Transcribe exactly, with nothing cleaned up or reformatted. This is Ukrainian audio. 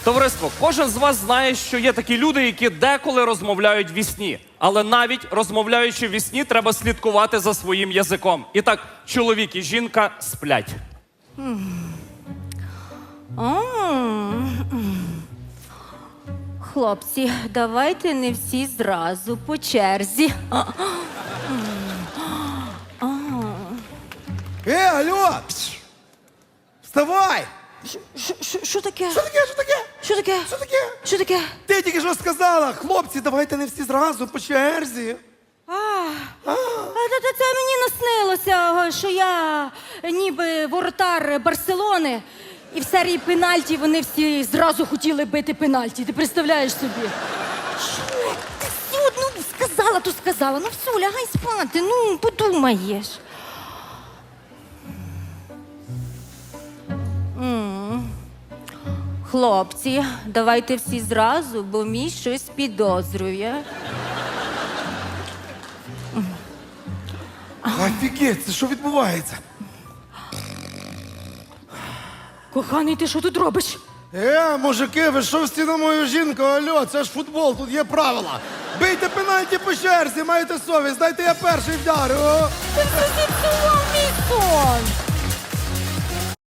Товариство, кожен з вас знає, що є такі люди, які деколи розмовляють вісні. Але навіть розмовляючи вісні, треба слідкувати за своїм язиком. І так, чоловік і жінка сплять. Хлопці, давайте не всі зразу по черзі. Е, алло! Вставай! Що таке? Що таке, що таке? Що таке? Що таке? Що таке? Ти тільки що сказала, хлопці, давайте не всі зразу по черзі. А, а це, це мені наснилося, що я ніби воротар Барселони, і в серії пенальті вони всі зразу хотіли бити пенальті. Ти представляєш собі? Що? Ти все, ну сказала, то сказала. Ну все, лягай спати, ну подумаєш. М. Хлопці, давайте всі зразу, бо мій щось підозрює. Офігеть, це що відбувається? Коханий, ти що тут робиш? Е, мужики, ви що всі на мою жінку? Алло, це ж футбол, тут є правила. Бийте пенальті по черзі, маєте совість, дайте я перший вдарю. Ти все зіпсував мій сон!